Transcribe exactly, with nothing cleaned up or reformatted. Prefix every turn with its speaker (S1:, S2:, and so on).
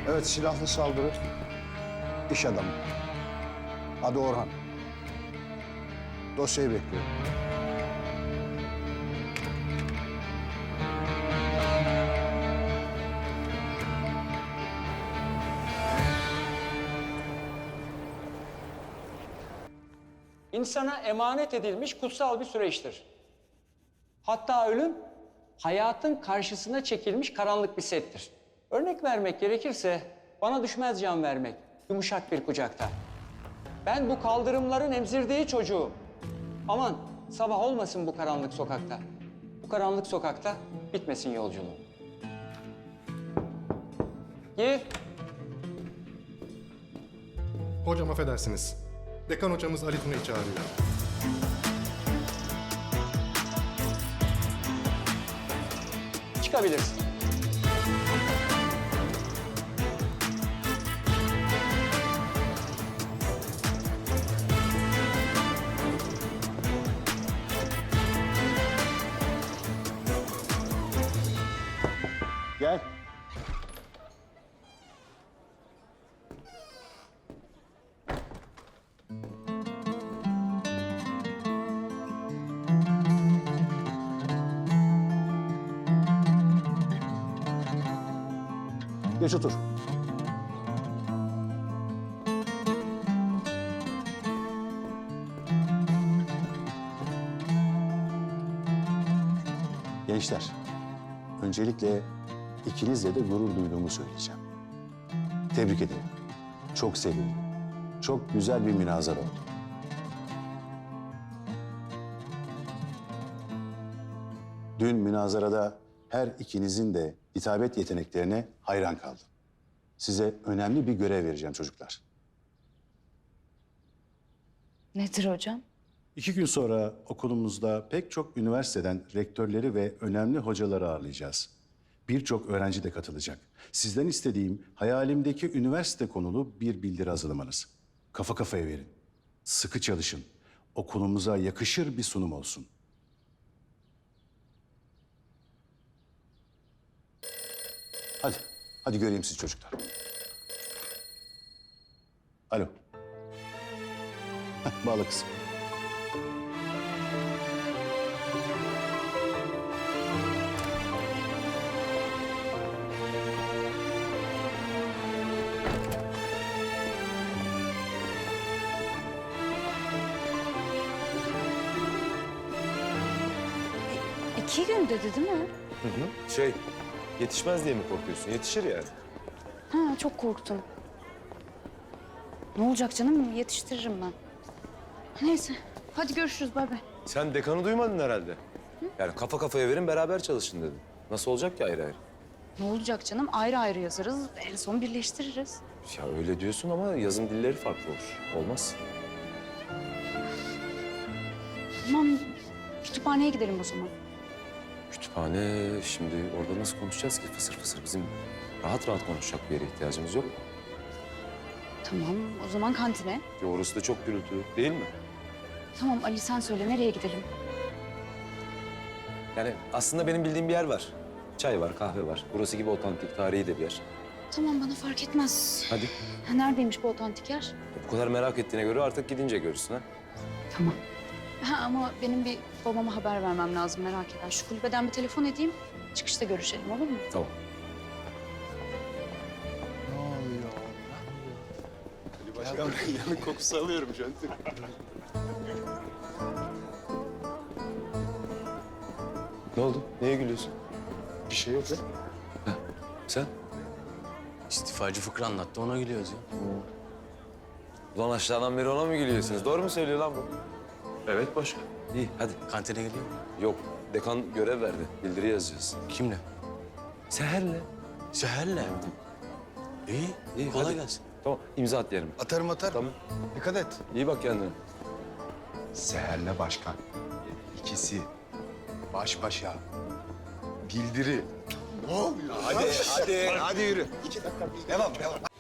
S1: Evet, silahlı saldırı. İş adamı. Adı Orhan. Dosyayı bekliyorum.
S2: İnsana emanet edilmiş kutsal bir süreçtir. Hatta ölüm, hayatın karşısına çekilmiş karanlık bir settir. Örnek vermek gerekirse, bana düşmez can vermek, yumuşak bir kucakta. Ben bu kaldırımların emzirdiği çocuğum. Aman, sabah olmasın bu karanlık sokakta. Bu karanlık sokakta bitmesin yolculuğum. Gir.
S3: Hocam affedersiniz. Dekan hocamız Ali Tuna'yı çağırıyor.
S2: Çıkabilirsin.
S1: Gel. Geç otur. Gençler, öncelikle ikinizle de gurur duyduğumu söyleyeceğim. Tebrik ederim. Çok sevindim. Çok güzel bir münazara oldu. Dün münazarada her ikinizin de hitabet yeteneklerine hayran kaldım. Size önemli bir görev vereceğim çocuklar.
S4: Nedir hocam?
S1: İki gün sonra okulumuzda pek çok üniversiteden rektörleri ve önemli hocaları ağırlayacağız. Birçok öğrenci de katılacak. Sizden istediğim hayalimdeki üniversite konulu bir bildiri hazırlamanız. Kafa kafaya verin. Sıkı çalışın. Okulumuza yakışır bir sunum olsun. Hadi, hadi göreyim sizi çocuklar. Alo. Heh, bağla kızım.
S4: İki gün dedi değil mi?
S5: Hı hı. Şey, yetişmez diye mi korkuyorsun? Yetişir yani.
S4: Ha, çok korktum. Ne olacak canım? Yetiştiririm ben. Neyse. Hadi görüşürüz. Bay bay.
S5: Sen dekanı duymadın herhalde. Hı? Yani kafa kafaya verin, beraber çalışın dedim. Nasıl olacak ki ayrı ayrı?
S4: Ne olacak canım? Ayrı ayrı yazarız. En son birleştiririz.
S5: Ya öyle diyorsun ama yazım dilleri farklı olur. Olmaz.
S4: Tamam. Kütüphaneye gidelim o zaman.
S5: Kütüphane, şimdi orada nasıl konuşacağız ki fısır fısır? Bizim rahat rahat konuşacak bir yere ihtiyacımız yok.
S4: Tamam. O zaman kantine.
S5: Ya orası da çok gürültü, değil mi?
S4: Tamam Ali sen söyle. Nereye gidelim?
S5: Yani aslında benim bildiğim bir yer var. Çay var, kahve var. Burası gibi otantik, tarihi de bir yer.
S4: Tamam bana fark etmez.
S5: Hadi.
S4: Ha, neredeymiş bu otantik yer?
S5: Bu kadar merak ettiğine göre artık gidince görürsün ha.
S4: Tamam. Ha, ama benim bir babama haber vermem lazım merak eder. Şu kulübeden bir telefon edeyim. Çıkışta görüşelim olur mu?
S5: Tamam.
S6: Başkan yanın kokusu alıyorum şu an.
S5: Ne oldu? Neye gülüyorsun?
S6: Bir şey yok ya.
S5: Sen?
S7: İstifacı fıkra anlattı, ona gülüyoruz ya.
S5: Ulan aşağıdan beri ona mı gülüyorsunuz? Doğru mu söylüyor lan bu?
S6: Evet başkan.
S5: İyi hadi.
S7: Kantine geliyor mu?
S5: Yok, dekan görev verdi. Bildiri yazacağız.
S7: Kimle?
S5: Seher'le.
S7: Seher'le. İyi,
S5: İyi,
S7: kolay
S5: hadi.
S7: gelsin.
S5: Tamam, imza at diyelim.
S6: Atarım atarım.
S5: Tamam.
S6: Dikkat et.
S5: İyi bak kendine.
S6: Seher'le başkan. İkisi baş başa. Bildiri. Ne oluyor? Hadi, hadi, hadi yürü. İki dakika. Devam, devam.